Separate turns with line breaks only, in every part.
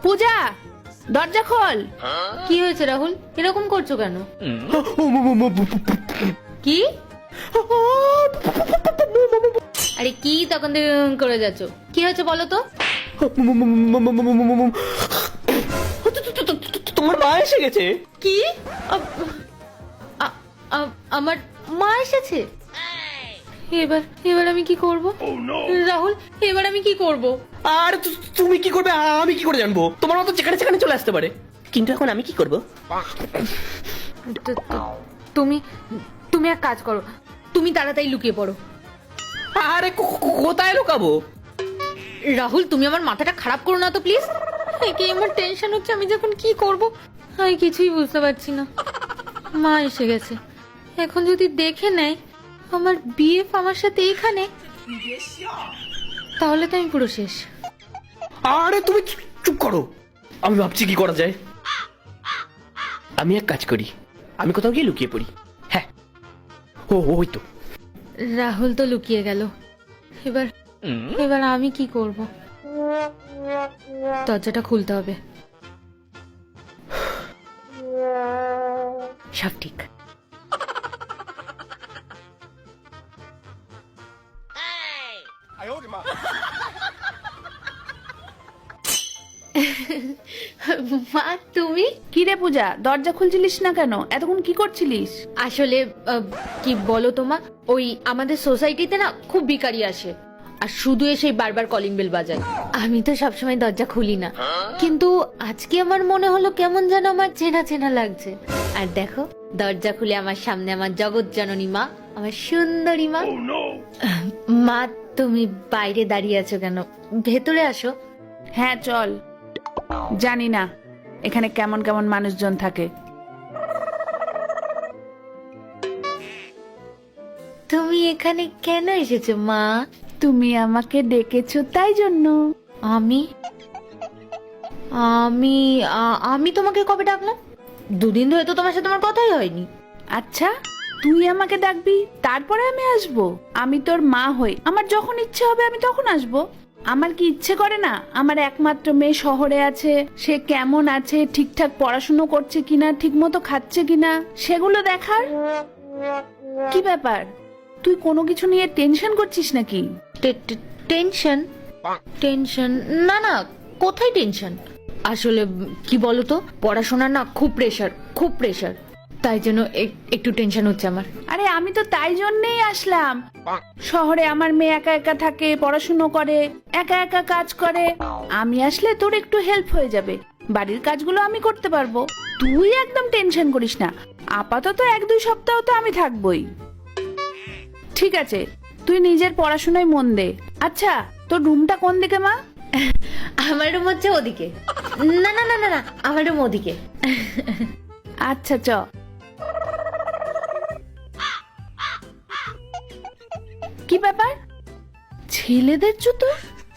পূজা, দরজা খোল।
কি হয়েছে রাহুল, এরকম করছো কেন? কি? আরে কি তখন থেকে করে যাচ্ছ? কি হয়েছে বলো তো?
তোমার মা এসে গেছে।
কি? আমার মা এসেছে? এবার এবার আমি কি করব? রাহুল, এবার আমি কি করব?
আর তুমি কি করবে আমি কি করে জানবো? তোমার মতো যেখানে সেখানে চলে আসতে পারে, কিন্তু এখন আমি কি করব?
তুমি তুমি এক কাজ করো, তুমি তাড়াতাড়ি লুকিয়ে পড়ো।
আরে কোথায় লুকাবো?
রাহুল, তুমি আমার মাথাটা খারাপ করো না তো প্লিজ। কি আমার টেনশন হচ্ছে, আমি যখন কি করব আমি কিছুই বুঝতে পারছি না। মা এসে গেছে, এখন যদি দেখে নেয় আমার বিএফ আমার সাথে এখানে, তাহলে তো আমি পুরো শেষ।
আরে তুমি চুপ করো, আমি ভাবছি কি করা যায়। আমি এক কাজ করি, আমি কোথাও গিয়ে লুকিয়ে পড়ি। হ্যাঁ, ওই তো।
রাহুল তো লুকিয়ে গেল, এবার এবার আমি কি করব? দরজাটা খুলতে হবে। সব ঠিক। মা তুমি?
কি রে পূজা, দরজা খুলছিলিস না কেন? এতক্ষণ কি করছিলিস?
আসলে কি বলো তোমা, ওই আমাদের সোসাইটিতে না খুব ভিখারি আসে, আর শুধু এসে বারবার কলিং বেল বাজায়। আমি তো সবসময় দরজা খুলি না, কিন্তু আজকে আমার মনে হলো কেমন যেন আমার চেনা চেনা লাগছে। আর দেখো, দরজা খুলে আমার সামনে আমার জগৎ জননী মা, আমার সুন্দরী মা। মা, তুমি বাইরে দাঁড়িয়ে আছো কেন? ভেতরে আসো।
হ্যাঁ চল। জানি না এখানে কেমন কেমন মানুষজন থাকে।
তুমি এখানে কেন এসেছো মা?
তুমি আমাকে ডেকেছো তাই জন্য।
আমি আমি আমি তোমাকে কবে ডাকলাম? দুদিন ধরে তো তোমার সাথে আমার কথাই হয়নি।
আচ্ছা, তুই আমাকে ডাকবি তারপরে আমি আসবো? আমি তোর মা হই, আমার যখন ইচ্ছে হবে আমি তখন আসবো। আমার কি ইচ্ছে করে না আমার একমাত্র মেয়ে শহরে আছে, সে কেমন আছে, ঠিকঠাক পড়াশুনো করছে কিনা, ঠিক মতো খাচ্ছে কিনা, সেগুলো দেখার? কি ব্যাপার, তুই কোনো কিছু নিয়ে টেনশন করছিস নাকি?
টেনশন? টেনশন না না, কোথায় টেনশন? আসলে কি বলতো, পড়াশোনার না খুব প্রেশার, খুব প্রেশার, তাই জন্য একটু টেনশন হচ্ছে আমার।
আরে আমি তো তাই জন্যই আসলাম। শহরে আমার মেয়ে একা একা থাকে, পড়াশুনো করে, একা একা কাজ করে। আমি আসলে তোর একটু হেল্প হয়ে যাবে, বাড়ির কাজগুলো আমি করতে পারবো। তুই একদম টেনশন করিস না, আপাতত 1-2 সপ্তাহ তো আমি থাকবোই। ঠিক আছে, তুই নিজের পড়াশোনায় মন দে। আচ্ছা, তোর রুমটা কোন দিকে মা?
আমার রুম হচ্ছে ওদিকে। না না না না না, আমার রুম ওদিকে।
আচ্ছা চ। কি ব্যাপার, ছেলেদের জুতো?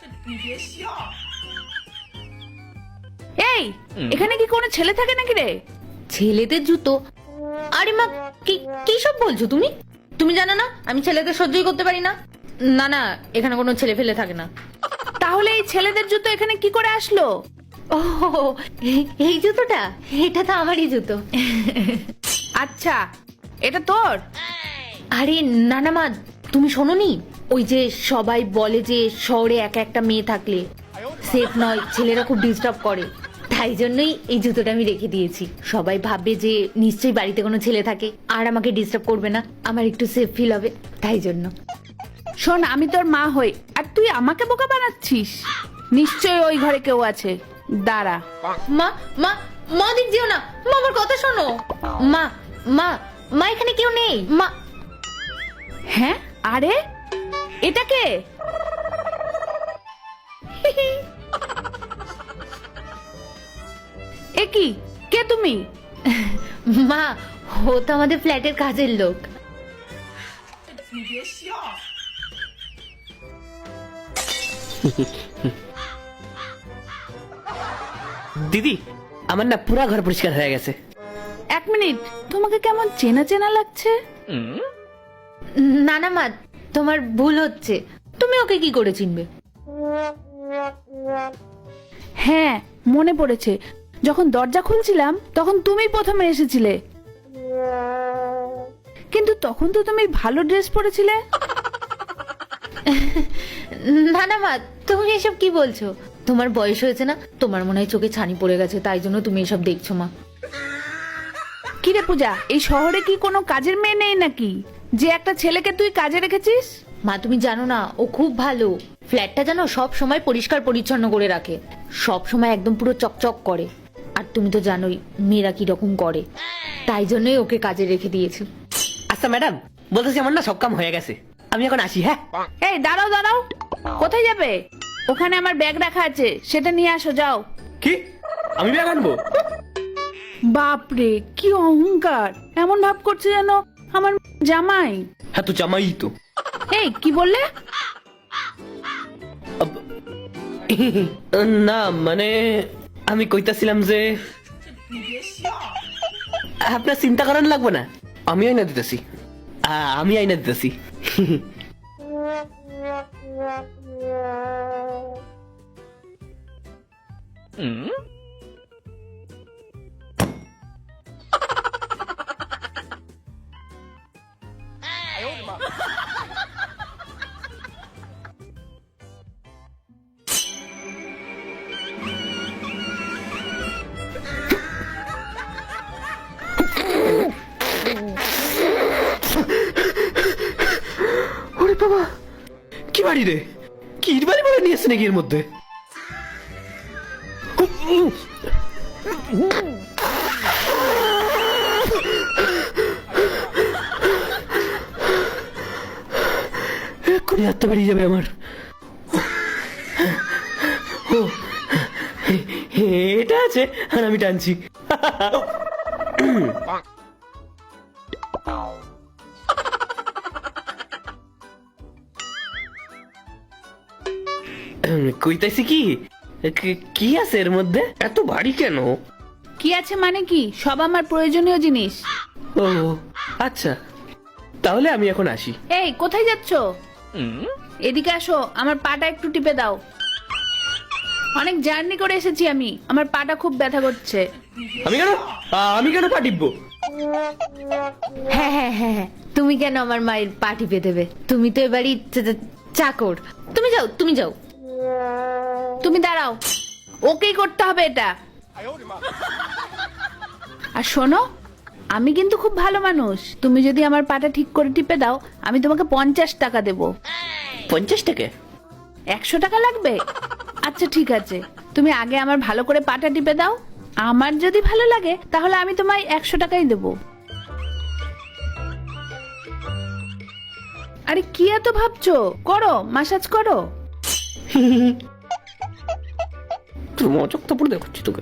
এই, এখানে কি কোনো ছেলে থাকে নাকি রে?
ছেলেদের জুতো? আরে মা, কি সব বলছো তুমি? তুমি জানো না আমি ছেলেদের সহ্যই করতে পারি না। না না, এখানে কোনো ছেলে ফেলে থাকে না।
তাহলে এই ছেলেদের জুতো এখানে কি করে আসলো?
ও, এই জুতোটা, এটা তো আমারই জুতো।
আচ্ছা, এটা তোর?
আরে না না মা, তুমি শোনোনি? ওই যে সবাই বলে যে শহরে একা একটা মেয়ে থাকলে সেফ নয়, ছেলেরা খুব ডিস্টার্ব করে, তাই জন্যই এই জুতোটা আমি রেখে দিয়েছি। সবাই ভাববে যে নিশ্চয়ই বাড়িতে কোনো ছেলে থাকে আর আমাকে ডিস্টার্ব করবে না, আমার একটু সেফ ফিল হবে, তাই জন্য।
শোন, আমি তোর মা হই আর তুই আমাকে বোকা বানাচ্ছিস? নিশ্চয়ই ওই ঘরে কেউ আছে, দাঁড়া।
মা মা মা, দিক যেও না মা, আমার কথা শোনো। মা মা মা, এখানে কেউ নেই মা।
হ্যাঁ, আরে এটা কে? এ কি, কে তুমি?
মা, ও তো আমাদের ফ্ল্যাটের কাজের লোক।
দিদি, আমার না পুরা ঘর পরিষ্কার হয়ে গেছে।
1 মিনিট, তোমাকে কেমন চেনা চেনা লাগছে।
না না মা, তোমার ভুল হচ্ছে, তুমি ওকে কি করে চিনবে?
হ্যাঁ, মনে পড়েছে, যখন দরজা খুলছিলাম তখন তুমি প্রথমে এসেছিলে, কিন্তু তখন তো তুমি ভালো ড্রেস পরেছিলে।
না না মা, তুমি এসব কি বলছো? তোমার বয়স হয়েছে না, তোমার মনে হয় চোখে ছানি পড়ে গেছে, তাই জন্য তুমি এসব দেখছো মা।
কিরে পূজা, এই শহরে কি কোনো কাজের মেয়ে নেই নাকি, যে একটা ছেলেকে তুই কাজে রেখেছিস?
মা তুমি জানো না, ও খুব ভালো। ফ্ল্যাটটা জানো সব সময় পরিষ্কার পরিচ্ছন্ন করে রাখে, সব সময় একদম পুরো চকচক করে। আর তুমি তো জানোই মেয়েরা কি রকম করে, তাই জন্যই ওকে কাজে রেখে দিয়েছি।
আচ্ছা ম্যাডাম, বলতেছি আমার না সব কাম হয়ে গেছে, আমি এখন আসি। হ্যাঁ,
এই দাঁড়াও দাঁড়াও, কোথায় যাবে? ওখানে আমার ব্যাগ রাখা আছে, সেটা নিয়ে আসো, যাও।
কি? আমি ব্যাগ আনবো?
বাপরে, কি অহংকার! এমন ভাব করছে যেন আমার জামাই।
হ্যাঁ তো জামাই তো।
এই কি বললে?
না মানে আমি কইতাছিলাম যে আপনার চিন্তা করার লাগবে না, আমি আইনা দিতেছি, আমি আইনা দিতেছি। ওরে বাবা, কি বাড়ি রে, কি ইট বাড়ি বাড়ি নিয়েছে নাকি এর মধ্যে? এক্ষুনি হাতটা বেরিয়ে যাবে আমার। ও, এটা আছে আর আমি টানছি। কইতাছি কি, কি আছে এর মধ্যে, এত ভারী কেন?
কি আছে মানে কি, সব আমার প্রয়োজনীয় জিনিস।
ও আচ্ছা, তাহলে আমি এখন আসি।
এই কোথায় যাচ্ছ? এদিকে আসো, আমার পাটা একটু টিপে দাও। অনেক জার্নি করে এসেছি আমি, আমার পাটা খুব ব্যথা করছে।
আমি কেন পা টিপবো?
হ্যাঁ হ্যাঁ হ্যাঁ হ্যাঁ, তুমি কেন আমার মায়ের পা টিপে দেবে? তুমি তো এবারই চাকর। তুমি যাও, তুমি যাও।
তুমি দাঁড়াও, ওকেই করতে হবে এটা। আর শোনো, আমি কিন্তু খুব ভালো মানুষ, তুমি যদি আমার পাটা ঠিক করে টিপে দাও আমি তোমাকে 50 টাকা দেবো।
50 টাকা?
100 টাকা লাগবে? আচ্ছা ঠিক আছে, তুমি আগে আমার ভালো করে পাটা টিপে দাও, আমার যদি ভালো লাগে তাহলে আমি তোমায় 100 টাকাই দেবো। আরে কি এত ভাবছো, করো, মাসাজ করো।
তোর মজক তো পুরো দেখাচ্ছি তোকে।